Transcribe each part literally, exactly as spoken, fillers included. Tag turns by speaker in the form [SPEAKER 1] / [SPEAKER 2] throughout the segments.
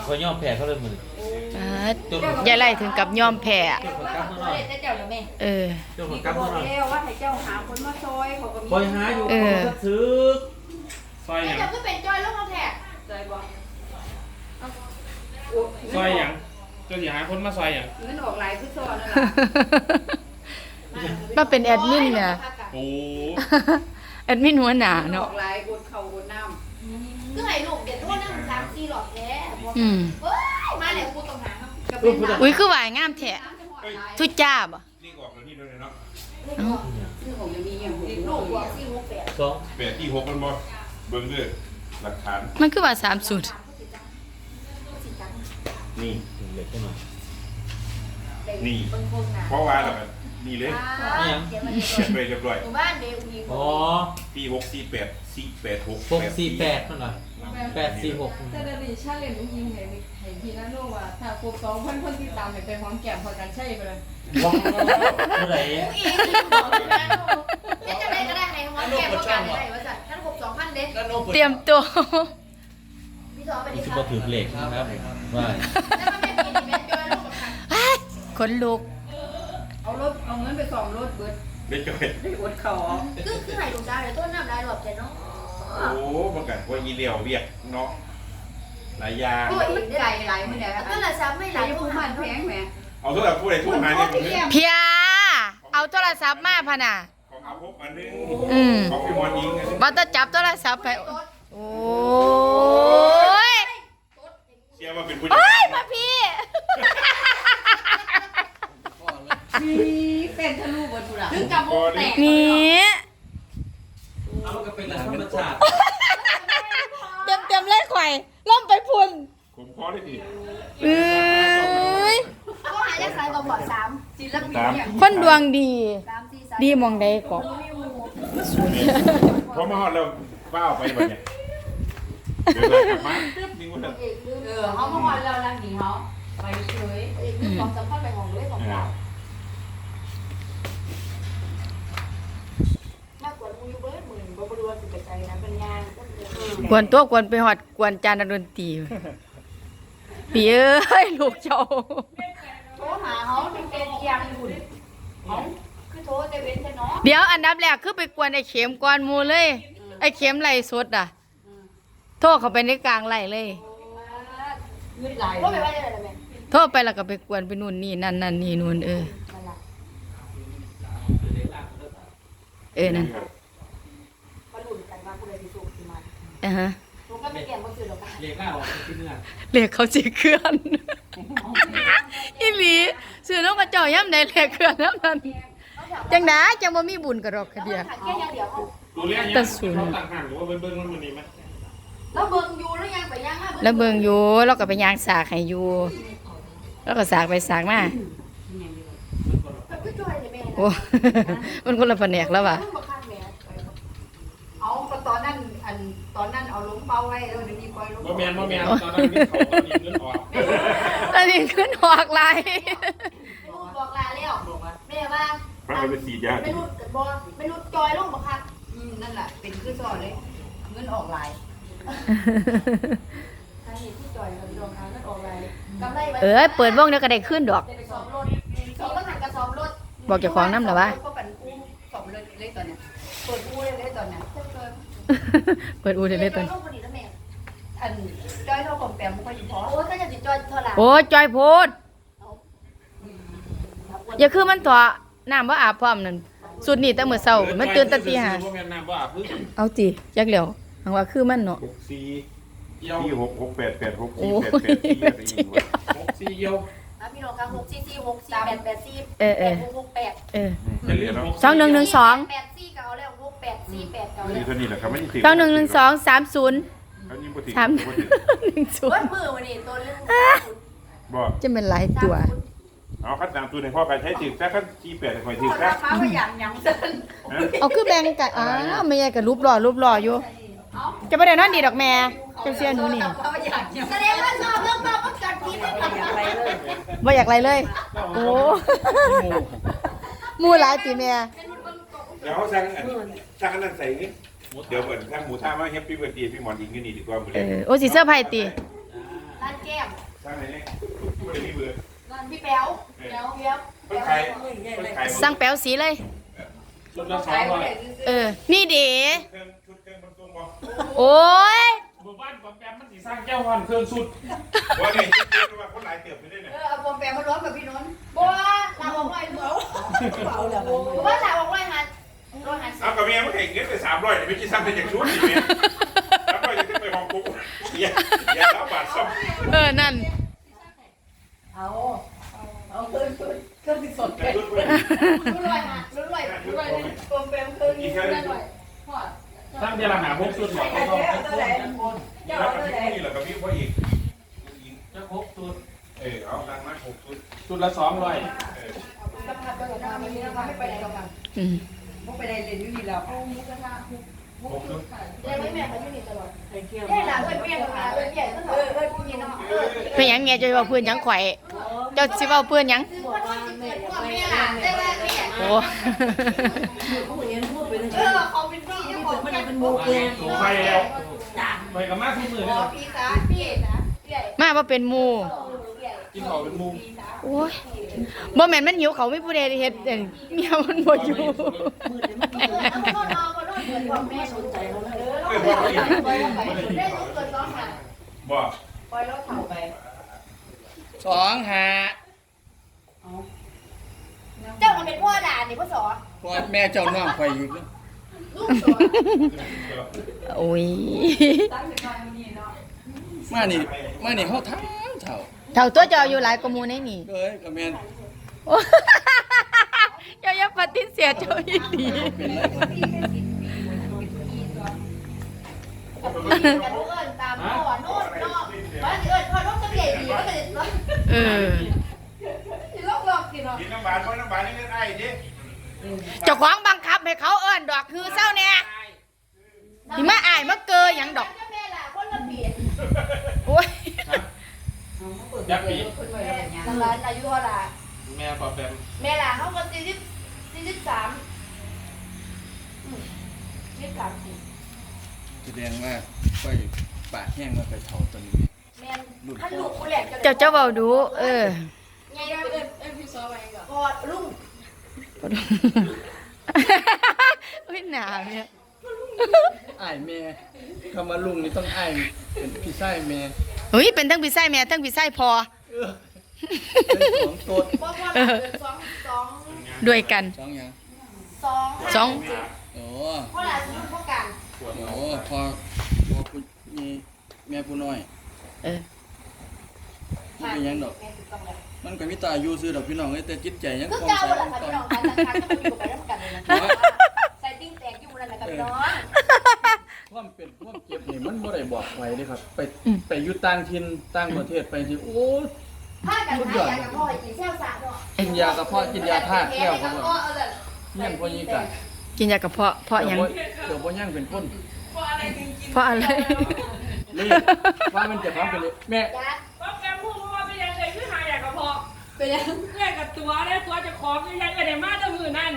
[SPEAKER 1] เขาย่อมแพ้เขาเลยมือ
[SPEAKER 2] อ่ายายไล่ถึงกับยอมแพ้เออ
[SPEAKER 1] เจ้าของกำมือหน่อย
[SPEAKER 3] ว่าให้เจ้าหาคนมาซอยเขาก็มี
[SPEAKER 1] คอยหาอยู่เขาจะซื้อซอยอย่าง
[SPEAKER 3] เจ้าก็เป็นจอยลูกเขาแท้ซอยบ่
[SPEAKER 4] ซอยอย่างเจ้าสิหาคนมาซอยอย่าง
[SPEAKER 3] เงินออกหลายคือซอยนั่นแหละ
[SPEAKER 2] มาเป็นแอดมินเนี่ย
[SPEAKER 4] โอ้
[SPEAKER 2] แอดมินหัวหน้าเนาะ
[SPEAKER 3] ออกหลายบนเขาบนน้ำคือให้ลูกเด็ดโทษนั่งสามสี่หลอดแท้
[SPEAKER 2] อืม
[SPEAKER 3] เฮ้ยมาแล้วกูต้องหาครับ
[SPEAKER 2] อุ้ยคือหวายงามแท้ทุจ้าบ่
[SPEAKER 4] นี่ออกแล้วนี่ด้วยเนาะ
[SPEAKER 3] ซึ่งผมจะมีอย่างลูกบอกสี่หกแปด
[SPEAKER 1] สอง
[SPEAKER 4] แปดที่หกมันบ่เบิ่งเด้อหลักฐาน
[SPEAKER 2] มันคือว่าสามสุด
[SPEAKER 4] นี่
[SPEAKER 1] เล็กขึ้นมา
[SPEAKER 4] นี่เพราะว่าแล้วกันนี่เลย
[SPEAKER 1] เนี่ย
[SPEAKER 4] เขียนไปเรียบร้อย
[SPEAKER 3] หมู่บ้านเดียวมี
[SPEAKER 1] อ๋อ
[SPEAKER 4] ปีหกสี่แปดสี่แปดหก
[SPEAKER 1] หกสี่แปดนั่นหน่อยแปดสี่หก
[SPEAKER 5] แต่เดี๋ยวนี้ชาเลนจ์ยิงให้ให้พี่น้าโน่ว่าถ้าครบสองพันคนที่ตามให้ไปหอมแก้มพอกันใช่ไปเลย
[SPEAKER 1] ว้าวเมื่อไหร่
[SPEAKER 3] ผู้อีกนี่จะได้ก็ได้ให้หัวแก้มประกันได้ว่าจัดท่านครบสองพันเด็ด
[SPEAKER 2] เตรียมตัว
[SPEAKER 3] พี่สอไปดิ
[SPEAKER 1] นี่
[SPEAKER 3] ค
[SPEAKER 1] คือ
[SPEAKER 3] รับ
[SPEAKER 1] ก็ถือเหล็กนะครับว่า
[SPEAKER 3] แล้วมันไม่กินเม็ดจอยลูกกับใคร
[SPEAKER 2] ขนลุก
[SPEAKER 5] เอารถเอาเงินไปสองรถเบิด
[SPEAKER 4] ได้จ่อย
[SPEAKER 5] ไปอดเขา
[SPEAKER 3] คือคือให้ลูกดาวเลยต้นน้ำลายหลอดแต่เนาะ
[SPEAKER 4] โอ้ประกาศว่าอีเลียวเวียกเนาะหลายอย่าง
[SPEAKER 3] โอ้ยมันไก่หลายมื้อเนี่ยก็ละซ้ำไม่หลาย
[SPEAKER 5] ผู้
[SPEAKER 3] ผู้
[SPEAKER 5] มั
[SPEAKER 3] มัน น
[SPEAKER 5] แพงแหม
[SPEAKER 4] เอาโทรศัพท์ผู้ใดโทรหาเนี่ยผมเนี่ย
[SPEAKER 2] เพียเอาโทรศัพท์มาพะน่ะ
[SPEAKER 4] ของอาภพอันนึง
[SPEAKER 2] อืม
[SPEAKER 4] ของพี่มอนยิงอันนึง
[SPEAKER 2] บ่ต้องจับโทรศัพท์ไปโอ้ย
[SPEAKER 4] เชื่อว่าเป็นผู้
[SPEAKER 2] โอ้ยมาพี่
[SPEAKER 5] มีเป็นทะลุบนทุระ
[SPEAKER 3] ถึงกับวงแตก
[SPEAKER 2] นี่
[SPEAKER 1] เอาก็เป็นธรรมชาติ
[SPEAKER 2] เต็มเต็มๆเลยข่อยล่มไปพุ่น
[SPEAKER 4] ผมขอได้ดิ
[SPEAKER 2] เอ้ย
[SPEAKER 3] ก็หาจะขายกับบ่อสามศิลปินเนี่ย
[SPEAKER 2] คนดวงดี
[SPEAKER 3] สามสี่สาม
[SPEAKER 2] ดีหมองใดก็
[SPEAKER 4] พอมาฮอดแล้วฟ้าออกไปแบบเนี้ยเดี๋ยวเรากลับมาตึ๊บนี่มันจะ
[SPEAKER 3] เออเขามาวันเราลังหนีเขาไปเฉยของสำคัญไปของด้วยของเรามากกว่ามูยูเบิร์ดหมื่นบริวารสิบใจนะเป็นงาน
[SPEAKER 2] กวนตัวกวนไปหอดกวนจานดนตรีปีเอ้ยลูกเจ้า
[SPEAKER 3] โทรหาเขาเป็นเป็นยังหุ่นเขาคือโทรแต่เว้นแต่น้อง
[SPEAKER 2] เดี๋ยวอันดับแรกคือไปกวนไอ้เข็มก่อนหมูเลย ไอ้เข็มไหลสดอ่ะ โทรเข้าไปในกลางไหลเลย
[SPEAKER 3] เงินไหลโทรไปว่าจะอะไรไหม
[SPEAKER 2] โทรไปแล้วก็ไปกวนไปนู่นนี่นั่นนั่นนี่นู่นเออ เออนั่น
[SPEAKER 3] มาลุ้นกันว่าผู้ใดที่สูงที่มัน
[SPEAKER 2] อ่ะฮะ
[SPEAKER 3] หนูก็ไม่เกี่ยงก็คือหรอกค่ะ
[SPEAKER 1] เหล็กหน้าออกที่เนื้อ
[SPEAKER 2] เรียกเขาสิเคลื่อน อีหลีซื้อน้องกระเจ้าย่ำใดเรียกเคลื่อนน้ำนั้นจังได๋จังบ่มีบุญกระดอกกระเดีย
[SPEAKER 3] แค่ยังเดียวเขา
[SPEAKER 4] ตัวเลี้ยงเนี่ยเขาต่างหากหรือว่าเบิ้งๆมันมันนี่ไหม
[SPEAKER 3] แล้วเบิ่งอยู่แล้วยังไปยังมา
[SPEAKER 2] แล้วเบิ่งอยู่เราก็ไปย่างสากให้อยู่แล้วก็สากไปสากมา
[SPEAKER 3] คือจอยเลยแม่
[SPEAKER 2] โอ้ มันคนละแผนกแล้วว่ะ
[SPEAKER 5] เอาตอนนั้นอันตอนนั้นเอาล้มเป้าไว้แล้วเดี๋ยวนี้ปล่อยล้ม
[SPEAKER 4] บ่แมนบ่แมนตอนนั้นมีเขาตอนนี้เงินออก
[SPEAKER 2] ตอนนี้ขึ้นหอกลาย
[SPEAKER 3] ไม่รู้บอกลาแล้วแม่ว่า
[SPEAKER 4] พระไปสีดยา
[SPEAKER 3] ไม่รู้บอกไม่รู้จอยลงบ่ครับ
[SPEAKER 5] อืมนั่นแหละเป็นคือซอเลยเงินออกหลาย
[SPEAKER 3] สาเหตุที่จอยกับดวงค้างก็ออกไรกำไร
[SPEAKER 2] เออเปิดวงเดี๋ยวก็ได้ขึ้นดอก
[SPEAKER 3] ไปซ้อมรถมีก็หันกระซ้อมรถ
[SPEAKER 2] บอกเจ้าของนำเหรอวะ
[SPEAKER 5] ก็ปั่นกู้สองเลยเลยตอนเนี้ยเปิดกู้เลยเลยตอนเนี้ย
[SPEAKER 2] เปิดอูได้เลยตอน
[SPEAKER 3] ลูกคนนี้แล้วแม่
[SPEAKER 5] อันจ้อยเท่าของแปมมันก็อยู่พอ
[SPEAKER 3] โอ้ยก็จะติดจอยเท่าไหร่
[SPEAKER 2] โอ้ยจอยโพดอย่าคือมันตัวน้ำบ่อาบพร้อมนั่นสุดนี่แต่มื้อเช้ามันตื่นแต่ตีห้า
[SPEAKER 4] บ่แม่นน้ำบ่อาบพึ่ง
[SPEAKER 2] เอาติจักแล้วหังว่าคือมันเนาะ
[SPEAKER 4] หกสี่สี่หกหกแปดแปดหก
[SPEAKER 2] โอ้
[SPEAKER 4] สี่แปดแปดสี่
[SPEAKER 2] ย
[SPEAKER 4] หกสี่เยี่ยว
[SPEAKER 3] พี่น้องครับหกสี่สี่หกสี่แปดแปดสี่
[SPEAKER 2] เออเอ
[SPEAKER 3] แป
[SPEAKER 2] อ
[SPEAKER 3] ดหกหกแปด
[SPEAKER 2] เออ
[SPEAKER 4] จะเรียนเนาะ
[SPEAKER 2] สองหนึ่งหนึ่งสอง
[SPEAKER 3] แปดสี่เก่าแล้วหกแปดสี่แปดเก่า
[SPEAKER 4] นี่
[SPEAKER 3] แล้ว
[SPEAKER 4] เท่านี้แหละครับไม่ถึง
[SPEAKER 2] สองหนึ่งหนึ่งสองสามศูนย์
[SPEAKER 4] เขายิงบ่ถึง
[SPEAKER 2] สาม
[SPEAKER 4] บ่
[SPEAKER 2] ห
[SPEAKER 4] ถึง
[SPEAKER 2] นึ่งศูน
[SPEAKER 3] วัด
[SPEAKER 2] ย์
[SPEAKER 3] มือวันนี้ตัวเรื่อง
[SPEAKER 4] บ่
[SPEAKER 2] จะเป็นหลายตัว
[SPEAKER 4] เอาคัดตามตัวในพ่อการใช้ถึงแต่คัดสี่แปดคอยถึง
[SPEAKER 5] คน
[SPEAKER 4] แต่
[SPEAKER 5] ราคาก็อย่างยังเส้น
[SPEAKER 2] เอาคือแบ่งกันอ้าวไม่ใช่กับรูปหล่อรูปหล่ออยู่ จะไม่ได้นอนดีดอกแม่เจ้าเสียหนูนี่
[SPEAKER 5] เขาอย่างยัง
[SPEAKER 3] แสดงว่าชอบเรื่องความประกันพิษได้ไหม
[SPEAKER 2] บ่อยากไรเลย โอ้หมูหลายตีแม่
[SPEAKER 4] เดี๋ยวสั่งอันสั่งอันนั้นใส่นี่เดี๋ยวก่อนสั่งหมูท่ามาแฮปปี้เบิร์ดเดย์พี่หมอนอิงกันนี่ดีกว่ามื้อ
[SPEAKER 2] เอ
[SPEAKER 4] นี้
[SPEAKER 2] อโอ้สิเสื้อร์ไผ่ตี
[SPEAKER 3] ไล่ร้านแก้ม
[SPEAKER 4] สร้างไหนเนี่ยไม่ได้มีเบื่อ
[SPEAKER 3] ร้านพี่แป๊วแป๊วเปี๊ยบ
[SPEAKER 4] เพิ่งขายเพิ่งขาย
[SPEAKER 2] สั่งแป๋วสีเลย
[SPEAKER 1] ชุดละสองร้อย
[SPEAKER 2] เออ นี่เด๋
[SPEAKER 4] เครื่องชุดเครื่องบรรทุกบ่
[SPEAKER 2] โอ้ย
[SPEAKER 1] หมู่บ้านของแกมันสิสร้างแก้วฮอนเครื่องสุด
[SPEAKER 4] ว่าเนี่ยชุดเครื่องว่าคนหลายเติบไปได้เนี่ย
[SPEAKER 3] เออเอาปอมแปมมาร้อนกับพี่นนท์บัวลาบอกไว้เหมือบัวลาบอกไว้หันร้อยหัน
[SPEAKER 4] เอากับเมียมันแข่งเงินไปสามร้อยเดี๋ยวไปกินซ้ำเป็นอย่างชุดอีกเนี่ยสามร้อยจะขึ้นไปห้องปุ๊บอย่าอย่าเล่าบาทซ้ำ
[SPEAKER 2] เออ นั่น
[SPEAKER 3] เอาเอาคืนคืนคืนที่สด
[SPEAKER 4] แต่ชุดเพื่อน
[SPEAKER 3] รู้ลอยหันรู้ลอยรู้ลอยปอมแปมคืนนี้คืนลอย
[SPEAKER 1] สร้างเดือนละหาพกชุดหมดก็ต้องพกชุด
[SPEAKER 4] แล้วกับพี่นี่แหละกับพี่พ่ออีก
[SPEAKER 1] จะพกชุด
[SPEAKER 4] เออเอาตังค์มาหกชุด
[SPEAKER 1] ชุดละสองร้อย
[SPEAKER 4] เออ
[SPEAKER 3] กำลังไปกับวันนี้นะคะไม่ไปไหนหรอกค่ะ
[SPEAKER 2] อืม
[SPEAKER 3] ไม่ไปไหนเรียนอยู่นี่แล้ว
[SPEAKER 5] เอาหมูกระทะ
[SPEAKER 4] หกชุด
[SPEAKER 3] เรียนไม่แม่เขาอยู่นี่ตลอดเรียนหลังเพื่อนเมียกับมาเพื่อนใหญ่ตลอดเออเออพี่น้องเออ
[SPEAKER 2] เป็นหยังแม่จะเว้าเพื่อนหยังข่อยเจ้าสิเว้าเพื่อนหยัง
[SPEAKER 3] คือคนที่เกิดพ่อแม่หลานได้ว่าแม่
[SPEAKER 2] โอ้
[SPEAKER 3] เออเขาเป็นพี่เจ้าของแม่เป็นโมเกน
[SPEAKER 1] ไปแล้วไปกับมาทุกมือ
[SPEAKER 3] อ๋
[SPEAKER 1] นี่
[SPEAKER 3] อ
[SPEAKER 1] ครับ
[SPEAKER 3] พี่สาพี่นะใหญ่
[SPEAKER 2] มาบ่เป็นหมู่
[SPEAKER 3] ใหญ่
[SPEAKER 1] กินข้าวเป็นมุม
[SPEAKER 2] โอ้ยบ่แม่นมันหิวเขาไม่ผู้ใดเฮ็ดเองเมียมันบ่อยู่
[SPEAKER 3] เอาคนนอนคนนอนเหมือนพ่อแม่สนใจเขาเลยเออปล่อยเราไปได้ลูกเกิดร้องหัน
[SPEAKER 4] บ่
[SPEAKER 3] ปล่อยเราเถ่าไป
[SPEAKER 2] สองหา
[SPEAKER 3] เจ้ามันเป็นพ่อด่านี่พ่อสอน
[SPEAKER 6] พอแม่เจ้าน้องข่อยอีก
[SPEAKER 3] ลูกสอน
[SPEAKER 2] โอ้ย
[SPEAKER 6] มานี่มานี่เฮาทั้งเฒ่า
[SPEAKER 2] เท่าตัวเจ้าอยู่หลายกว่าหมู่ในนี่
[SPEAKER 6] เอ้ยก็แม่น
[SPEAKER 2] โอ้ เจ้าอย่าปฏิเสธเจ้าอีหลี
[SPEAKER 6] เป็นไร
[SPEAKER 3] กันลูกเอิญตามพ่อโน่นนอกบ้านเอิญพ่อโน่นจะใหญ่ดีก็เลยร้อง
[SPEAKER 2] เออ
[SPEAKER 3] ลอกลอกกินเนาะ
[SPEAKER 4] กินน้ำบาทเพราะน้ำบาทนี่เงินไอ้ดิ
[SPEAKER 2] เจ้าของบังคับให้เขาเอิ้นดอกคือเศร้าแน่ที่มาอายมาเกยหยังดอก
[SPEAKER 3] แม่ล่ะคนละเบียด
[SPEAKER 2] โอ้ย
[SPEAKER 1] ยักษ์ปี
[SPEAKER 3] แม่ทางร้านอายุเท่าไหร่
[SPEAKER 1] แม่ปอบแปม
[SPEAKER 3] แม่ล่ะเขาก็สี่สิบสี่สิบสามยี่สิบสามสิ
[SPEAKER 6] แสดงว่าข่อยปากแห้งว่าไปเฒ่าตอนนี้
[SPEAKER 3] แม่ท่านลูกคนแรก
[SPEAKER 2] เจ้าเจ้าเว้าดู เออ
[SPEAKER 3] ไงเอิญ
[SPEAKER 5] เอ้ยพี่ซอไปก่อน
[SPEAKER 3] กอดลุง
[SPEAKER 2] โอ้ยหนาวเนี่ย
[SPEAKER 6] อ้ายแม่คำว่าลุงนี่ต้องอ้ายเป็นพี่ชายแม่
[SPEAKER 2] เฮ้ยเป็นทั้งพี่ไส้แม่ทั้งพี่ไส้พอ
[SPEAKER 6] เออเป็นสองโตด
[SPEAKER 3] บอกว่าเดือนสองสอง
[SPEAKER 2] ด้วยกัน
[SPEAKER 6] สองหยัง
[SPEAKER 3] สอง
[SPEAKER 2] สอง
[SPEAKER 6] โอ้
[SPEAKER 3] เพราะหลานสมุนพวกกัน
[SPEAKER 6] โอ้พอพอผู้มีแม่ผู้น้อย
[SPEAKER 2] เออ
[SPEAKER 6] มันเป็นหยังดอก
[SPEAKER 3] แม่ถูกต้องแล้ว
[SPEAKER 6] มันก็มีตาอยู่ซื่อดอกพี่น้องเอ้ยแต่จิตใจยัง
[SPEAKER 3] คือ
[SPEAKER 6] คง
[SPEAKER 3] เก่า
[SPEAKER 6] ใส่
[SPEAKER 3] แหละ
[SPEAKER 6] คง
[SPEAKER 3] ค่ะ
[SPEAKER 6] ต้
[SPEAKER 3] พี่
[SPEAKER 6] อง
[SPEAKER 3] น้องการทางการก็อยู่ไปแล้วกันเลยนะใส่ติ้งแตกอยู่นั่นแหละกับพี่น้อง
[SPEAKER 6] ความเป็นความเจ็บนี่มันบ่ได้บอกไว้เด้ครับ ไปไปอยู่ต่างถิ่นต่างประเทศไปที่โอ้
[SPEAKER 3] ผ้ากันหายากับพ่อกินเชี่ยวสาเนาะ
[SPEAKER 6] กินยากระเพาะกินยาธาตุแก้วเขาบอกยังพอยีกัน
[SPEAKER 2] กินยากระเพาะเพราะหยัง
[SPEAKER 6] เดี๋ยวบ่ยังเป็นคน
[SPEAKER 2] เพราะอะไร
[SPEAKER 6] เลยว่ามันจะฟังเป็นเลยแม่
[SPEAKER 3] ยัด
[SPEAKER 7] ว่าแกพูดว่าเป็นยังไงคือหาอยากกระเพาะ
[SPEAKER 3] เป็นยัง
[SPEAKER 7] เพื่อนกับตัวได้ตัวจะของยังไงก็ได้มาแตะมือนั่น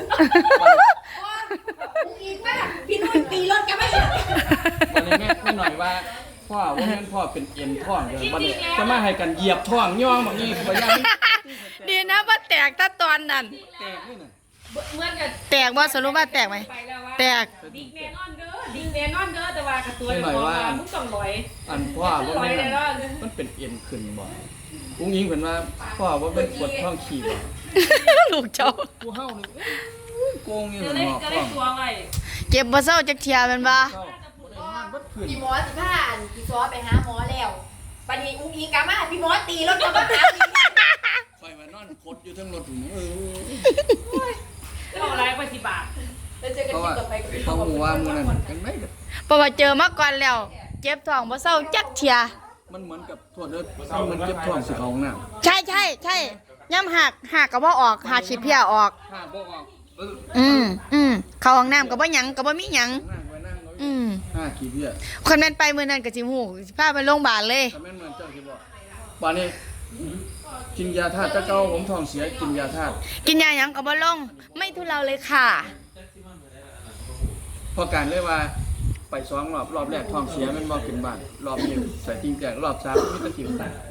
[SPEAKER 3] กูอีกป่ะพี่นุ่นตีรถกันไหม
[SPEAKER 6] วันนี้แม่แม่หน่อยว่าพ่อว่าแม่นพ่อเป็นเอ็นท้องเดี๋ยววันนี้จะมาให้กันเหยียบท้องย่องแบบนี้บ่ยัง
[SPEAKER 2] ดีนะว่าแตกถ้าตอนนั้น
[SPEAKER 6] แตกนี่น่ะ
[SPEAKER 7] เหมือนกับ
[SPEAKER 2] แตกว่าสรุปว่าแตกไหม
[SPEAKER 7] ไปแล้วว่า
[SPEAKER 2] แตก
[SPEAKER 7] ดิกแน่นอนเด้อดิกแน่นอนเด้อแต่ว่ากับตัวจะของว่ามึงต้องลอย
[SPEAKER 6] อันพ่อว่า
[SPEAKER 7] ลอย
[SPEAKER 6] แม่
[SPEAKER 7] เลย
[SPEAKER 6] น
[SPEAKER 7] เนาะ
[SPEAKER 6] มันเป็นเอ็นขึ้นบ่อุ้งยิงเพิ่นว่าพ่อว่าเป็นปวดท้องขี้บ่
[SPEAKER 2] ลูกเจ้า
[SPEAKER 6] กูเฮานี่โกงอยู่
[SPEAKER 7] จะ
[SPEAKER 6] ห
[SPEAKER 7] ได้
[SPEAKER 6] นอก
[SPEAKER 7] จะ
[SPEAKER 6] ท้
[SPEAKER 7] ได้
[SPEAKER 6] อง
[SPEAKER 7] ตัวไว้
[SPEAKER 2] เจ็บบ่เศร้าจักเทียแมันบ่
[SPEAKER 6] เศร้าบ่ได้นอนเบิดคืน
[SPEAKER 3] พี่หมอสิผ่านพี่ซอไปหาหมอแล้วปันนี้อุ้งอิงกามาพี่หมอตีรถกลับมาหา
[SPEAKER 6] ไปว่านอนคดอยู่เทั้งรถถุงเออ
[SPEAKER 7] เอาอะไรไปสิบบาท
[SPEAKER 3] แล้วเจอกัน
[SPEAKER 6] เพราะ
[SPEAKER 3] ที่
[SPEAKER 6] ว่า
[SPEAKER 3] ต่อไปกับพี่
[SPEAKER 6] เขาหูว่ามื้อนั้นกันไหมกับ
[SPEAKER 2] เพราะว่าเจอมาก่อนแล้ว เจ็บท้องบ่เศร้าจักเทีย
[SPEAKER 6] มันเหมือนกับโทษเด้อมันเหมือนเจ็บท้องสิเขาห้องน้ำ
[SPEAKER 2] ใช่ใช่ใช่ย่ำหักหักก็บ่ออกหักขี้เพียออก
[SPEAKER 6] ห้าบ่ออกเออ
[SPEAKER 2] อืมอืมเข้าห้องน้ำก็บ่หยังก็บ่มีหยัง
[SPEAKER 6] นั่งไว้นั่งไว้
[SPEAKER 2] อืม
[SPEAKER 6] ห้าขี้เพี้ย
[SPEAKER 2] คนแม่นไปมื้อนั้นก็สิฮู้สิพาไปโรงพยาบาลเลย
[SPEAKER 6] แต่แม่นเหมือนเจ้าสิบอกป่านนี้กินยาธาตุตะเกาผมท้องเสียกินยาธาตุ
[SPEAKER 2] กินยาหยังก็บ่ลง ไม่ทุเลาเลยค่ะ
[SPEAKER 6] พอการเลยว่าไปสองรอบรอบแรกท้องเสียมันบ่ขึ้นบ้านรอบนี้ใส่ติงแจกรอบสามมีแตะกินตาย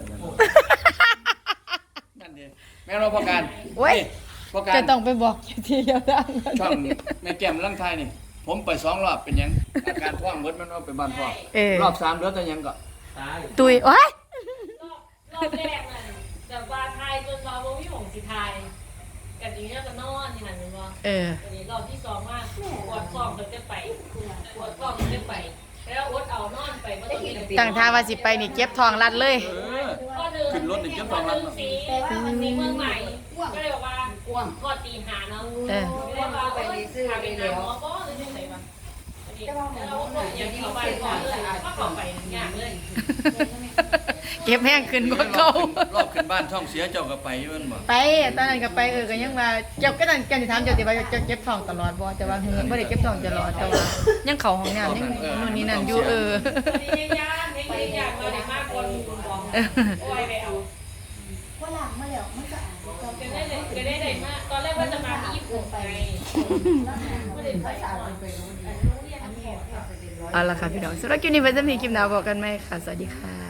[SPEAKER 6] นั่นเด้แม่เราพอการ
[SPEAKER 2] โอ้ย
[SPEAKER 6] พอการ
[SPEAKER 2] จะต้องไปบอกทีเดียวดัง
[SPEAKER 6] ช่องแม่แก้มลังไทยนี่ ผมไปสองรอบเป็นหยังอาการท้องเบิดมันเอาไปบ้านพ่อ
[SPEAKER 2] เออ
[SPEAKER 6] รอบสามเหลือแต่หยังก็
[SPEAKER 1] ตาย
[SPEAKER 2] ตุยโอ้ย
[SPEAKER 7] รอบแรกน่ะแบบว่าทายจนเราบ่มีหงสิทายกันอย่างเงี้ยก็นอนนี่หั่นแม่นบ่
[SPEAKER 2] เออ
[SPEAKER 7] อันนี้รอบที่สองมาปวดท้องก็จะไปปวดท้องก็จะไปแล้วอดเอานอนไปบ่ต้องกิน
[SPEAKER 2] ตั้งท่าว่าสิไปนี่เก็บทองรัดเลย
[SPEAKER 6] เออ
[SPEAKER 7] ข้อหนึ่ง
[SPEAKER 6] ขึ้นรถนี่เก็บทองรัด
[SPEAKER 7] ข้หนึ่สีสีเมืองใหม่ก็เลยบอกว่าพอตีหาเนาะ
[SPEAKER 2] เออ
[SPEAKER 7] ไม่ได้ว่าไปซื้อไปแล้วหมอบ่หรือจังได๋วะอันนี้แล้วอย่างที่เขาไปก่อนเลยก็เข้าไปยากเลย
[SPEAKER 2] เก็บแห้งขึ้นกว่าเก่าร
[SPEAKER 6] อบขึ้นบ้านช่องเสียเจ้าก็ไปอยู่มันบ่
[SPEAKER 2] ไปตอนนั้นก็ไปเออก็ยังว่าเจ้าก็นั่นแกสิถามเจ้าสิว่าเจ้าเก็บทองตลอดบ่แต่ว่าเฮ้ยบ่ได้เก็บทองตลอดแต่ว่ายังเข้าห้องน้ำยังนู่นนี่นั่นอยู่เออ
[SPEAKER 7] นี่ยากนี่ยากเราได้มากคนบอกโอ้ยไปเอา
[SPEAKER 3] ว่าหลังมาแล้วมันจะอ่านก็
[SPEAKER 7] ก็ได้เลยก็ได้เลยมากตอนแรกว่าจะมาที่ญี่ปุ่นไงไม่ได้ไปก่อน
[SPEAKER 2] เอาล่ะค่ะพี่น้องสำหรับคลิปนี้ไว้จะมีคลิปหน้าบอกกันไหมค่ะสวัสดีค่ะ